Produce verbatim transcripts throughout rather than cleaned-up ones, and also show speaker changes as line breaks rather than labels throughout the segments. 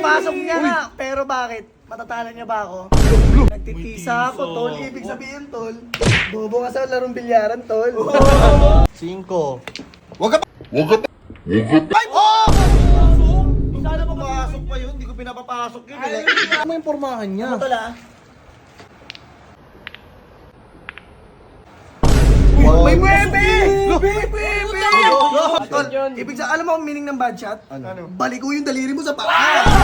Napasok niya nga, pero bakit? Matatalo niya ba ako? Nagtitisa ako, tol. Ibig sabihin, tol. Bobo ka sa larong bilyaran, tol.
Cinco.
Wag ka pa! Wag ka pa! Ay! Oh! Sana papasok pa yun, hindi ko pinapapasok yun.
Ay,
Ano mo yung pormahan niya?
Ano, tol, ah?
Wow.
May muebe! May muebe! Tol, ibig sa alam mo ang meaning ng bad shot?
Ano?
Baliko yung daliri mo sa paa.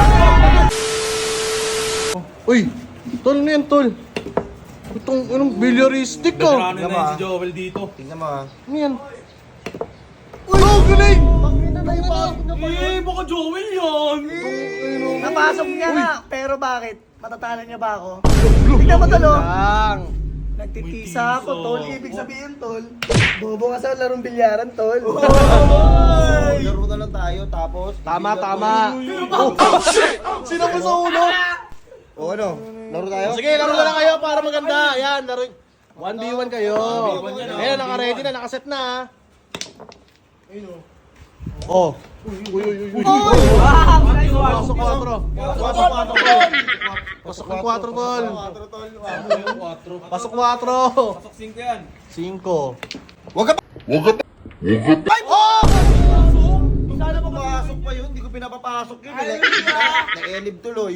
Uy! Tol, ano yan, tol? Itong, anong, bilyaristic ka?
Veterano na yan si Joel dito.
Tingnan mo ah.
Ano yan? Uy! Oh, galing!
Eh, baka Joel yan!
Napasok niya nga, pero bakit? Matatalo niya ba ako? Tignan mo, tol, oh.
Lang!
Nagtitisa ako, tol. Ibig sabihin, tol. Bobo ka sa larong bilyaran, tol.
Laro na lang tayo, tapos...
Tama,
titigil
tama!
ako.
Oh, shit! Sino ba sa ulo?
O ano? Laro tayo?
Sige, laro na lang kayo para maganda. Yan, laro. one v one kayo. Ayan, naka-ready na, naka-set na. Oh. Uy, uy, uy, uy. Pasok quatro.
Pasok, pasok, tol.
Pasok ng quatro, tol.
Quatro, tol.
Pasok quatro.
Pasok cinco yan.
Cinco.
Wag ka pa! Wag ka pa! Wag ka pa! Ay! Oh! Sana papasok pa yun, hindi ko pinapapasok yun. Na-elib tuloy.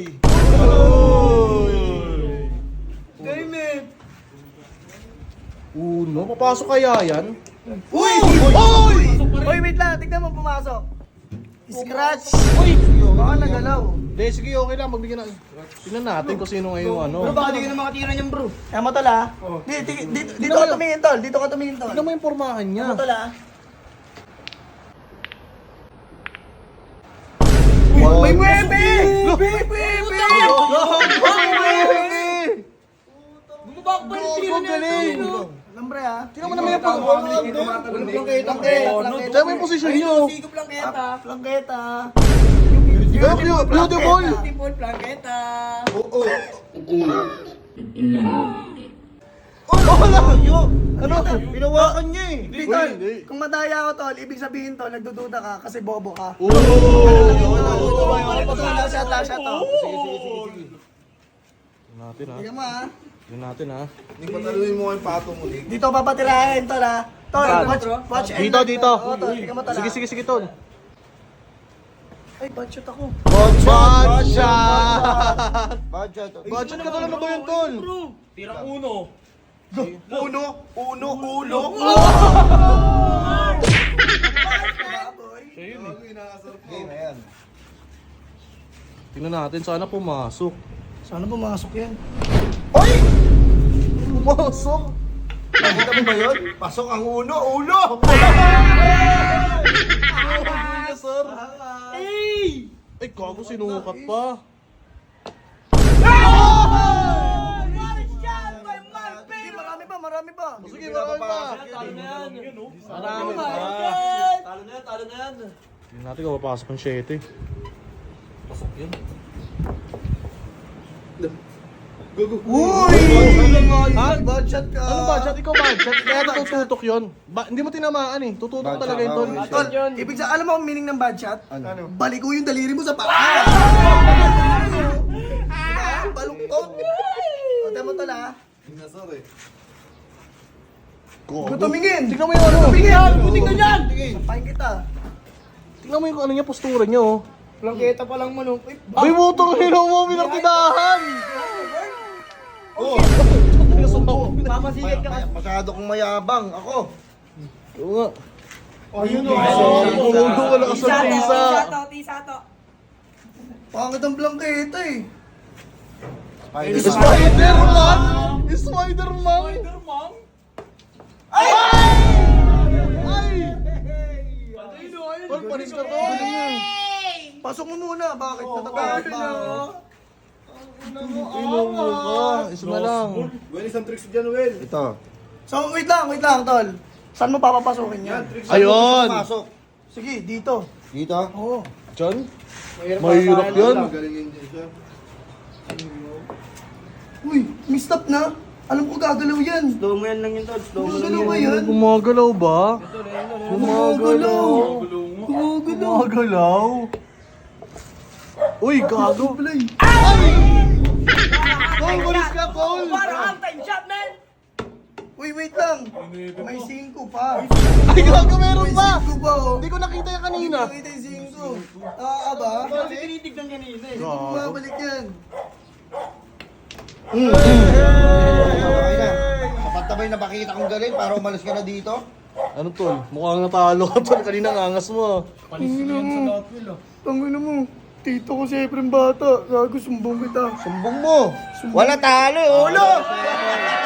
Game it.
Uno, papasok kaya yan?
Uy!
Uy!
Uy, wait lang. Tignan mo pumasok. Scratch.
Uy!
Baka nagalaw.
Hindi, sige, okay lang. Magbigyan na. Tingnan natin kung sino ngayon ano.
Bro, baka di ka na makatira niyan, bro. Tama, tol, ah. Di- di- di- Dito ka tumingin, tol. Dito ka tumingin, tol.
Tingnan mo yung pormahan niya.
Tama, tol, ah.
Wow.
May muebe! May muebe!
Bumabak pa yung tira niya.
Galing!
Lambre, ah.
Tingnan mo naman yung pormahan.
Plangketa.
Tingnan mo yung posisyon niyo.
Plangketa.
Beautiful! Beautiful!
Beautiful plangketa.
Oo.
Oh, wala!
Ano? Pinawakan niya eh.
Hindi, tol. Kung madaya ako, tol, ibig sabihin, tol, nagdududa ka kasi bobo ka.
Oh!
Last shot, last shot, oh.
Sige, sige, sige, sige.
Tingnan natin ha.
Tingnan mo, ah.
Tingnan natin ha.
Hindi pataluin mo yung pato mo. Lig.
Dito papatirahin, tol, ah. Tol, watch, watch. and
Dito,
watch,
dito.
tol. Oo, tol. Tingnan mo, tol,
Sige,
ah.
sige, sige, tol.
Ay, bad shot ako.
Bad shot!
Badja.
Budget ka tol, ano ba yun, tol?
Tirang uno.
Uno, uno, uno. Game na yan.
Tingnan natin, sana pumasok.
Sana pumasok yan.
Hoy!
Pumasok?
Nakita mo ba yun? Pasok ang uno, uno!
Ay, sir. Ay! Ay, gago, sinukat pa.
Sige, marami pa, marami pa.
Sige, marami pa.
Talo na yan.
Marami pa.
Talo na yan, talo na yan.
Tingnan natin kung papasok ang siyete.
Pasok yan.
Uy!
Ha?
Bad shot ka.
Ano budget? Ikaw budget? Kaya tututok yun. Ba, hindi mo tinamaan eh. Tututok
Bad
talaga
shot,
yun, tol.
bad
Tol, ibig sa alam mo ang meaning ng bad shot?
Ano?
Baliko yung daliri mo sa paa. Balungkot. O, tama, tol, ah. Huwag tumingin.
Tingnan mo yung ano.
Tumingin. Tingnan yan. Sampahin kita.
Tingnan mo yung ano niya, postura niya, oh.
Plangketa pa lang manong. Uy,
May butong hilo mo, minartidahan!
Oh!
Mamasigit ka.
May- Masyado kong mayabang. Ako.
Oo nga.
Ayun, o.
Bumundo ka lang sa tisa.
Tisato.
Pangit ang plangketa, eh.
Spider-Man.
Spider-Man! Spider-Man! Ay! Ay! Tol, panis ka to.
Pasok mo muna. Bakit? Natatakot ba?
Inom mo ka. Isa na lang.
Ito.
So, wait lang, wait lang, tol. Saan mo papapasukin yan?
Ayun!
Pasok.
Sige, dito.
Dito.
Oo.
John? Mahirap yun.
Uy, missed up na. Alam ko gagalaw yan.
Slow mo yan lang yun, Tol. Slow mo lang
Gumagalaw ba
yan.
yan?
Gumagalaw ba?
Gumagalaw. Gumagalaw.
Gumagalaw? Uy, gago.
Play.
Cole, walis ka, Cole.
Parang ang time shot, man!
Uy, wait lang. May singko pa.
Ay, gago, meron
May
pa.
singko pa, oh.
Hindi ko nakita yan kanina.
Nakita yung singko. Ah, ba?
Kasi tinitignan kanina eh.
Hindi ko bumabalik yan.
Okay na. Kapag na makita kong galing para umalis ka na dito.
Ano, Tol? Mukhang natalo ka, Tol. Kanina angas mo.
Tangina mo. Tangina mo. Tito ko si Efren Bata. Gago, sumbong kita.
Sumbong mo. Wala talo, eh, ulo.